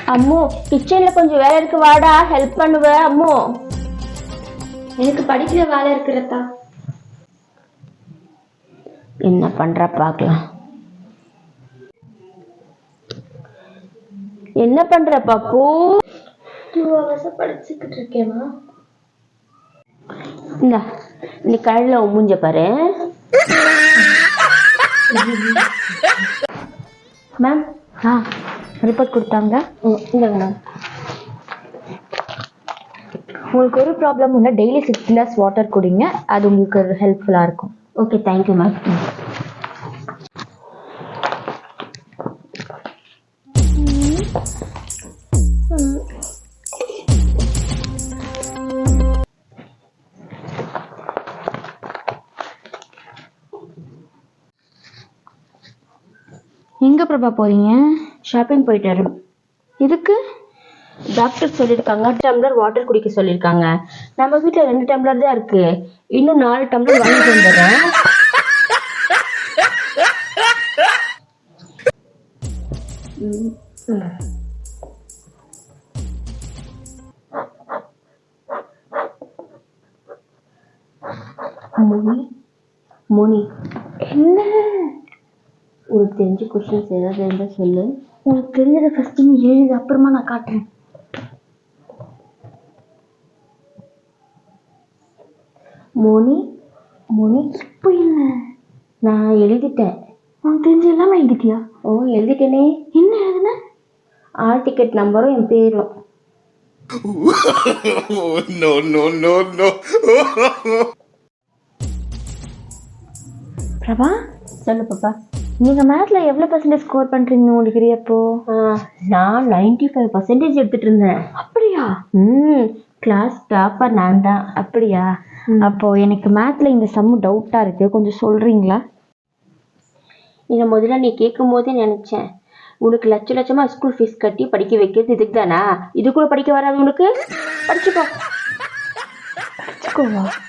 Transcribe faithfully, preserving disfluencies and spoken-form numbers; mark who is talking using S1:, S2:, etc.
S1: அம்மு கிச்சன்ல கொஞ்சம் வேலை இருக்கு, வாடா ஹெல்ப் பண்ணுவ. அம்மு
S2: எனக்கு படிக்கிற வேலை இருக்கிறதா.
S1: என்ன பண்ற பாக்கலாம். என்ன பண்ற பாப்பு?
S2: டூ ஹவர்ஸா படிச்சுக்கிட்டு இருக்கேனா.
S1: இந்த நீ கடையில மூஞ்ச பாரு.
S2: மேம் ஆ ரிப்போர்ட் கொடுத்தாங்க.
S1: இல்லைங்க மேம்.
S2: உங்களுக்கு ஒரு ப்ராப்ளம் இல்லை, டெய்லி சிக்ஸ் கிளாஸ் வாட்டர் குடிங்க, அது உங்களுக்கு ஹெல்ப்ஃபுல்லாக இருக்கும்.
S1: Okay thank you ma'am.
S2: எங்கே பிரபா போகிறீங்க?
S1: ஷாப்பிங் போயிட்டு வரோம்.
S2: இதுக்கு
S1: டாக்டர் சொல்லியிருக்காங்க டம்ளர் வாட்டர் குடிக்க சொல்லியிருக்காங்க. நம்ம வீட்டில் ரெண்டு டம்ளர் தான் இருக்கு, இன்னும் நாலு டம்ளர் வாங்கிட்டு வந்துடுறேன். மோனி மோனி
S2: என்ன
S1: உனக்கு தெரிஞ்ச கொஸ்டின்ஸ் ஏதாவது இருந்தால் சொல்லு.
S2: உங்களுக்கு தெரிஞ்சதை ஃபஸ்ட்டு நீ எழுது, அப்புறமா நான் காட்டுறேன்.
S1: மோனி மோனி
S2: இப்போ என்ன?
S1: நான் எழுதிட்டேன்.
S2: உனக்கு தெரிஞ்ச எல்லாமே எழுதிட்டியா?
S1: ஓ எழுதிட்டேனே.
S2: என்ன எழுதுன?
S1: ஆல் டிக்கெட் நம்பரும் என் பேரும்.
S3: no, no, no, no.
S2: Prabha
S1: சொல்லு பாப்பா.
S2: நீங்கள் மேத்ஸில் எவ்வளோ பர்சன்டேஜ் ஸ்கோர் பண்ணுறீங்க முடிக்கிறீ அப்போ?
S1: நான் நைன்டி ஃபைவ் பர்சன்டேஜ் எடுத்துட்டு இருந்தேன்.
S2: அப்படியா?
S1: ம் கிளாஸ் டாப்பர் நான் தான்.
S2: அப்படியா? அப்போ எனக்கு மேத்ஸில் இந்த சம்மு டவுட்டாக இருக்குது, கொஞ்சம் சொல்கிறீங்களா?
S1: இதை முதல்ல நீ கேட்கும் போதே நினச்சேன், உனக்கு லட்ச லட்சமாக ஸ்கூல் ஃபீஸ் கட்டி படிக்க வைக்கிறது இதுக்கு தானா? இது கூட படிக்க வராது உனக்கு? படிச்சுக்கோ.
S2: படிச்சுக்கோவா?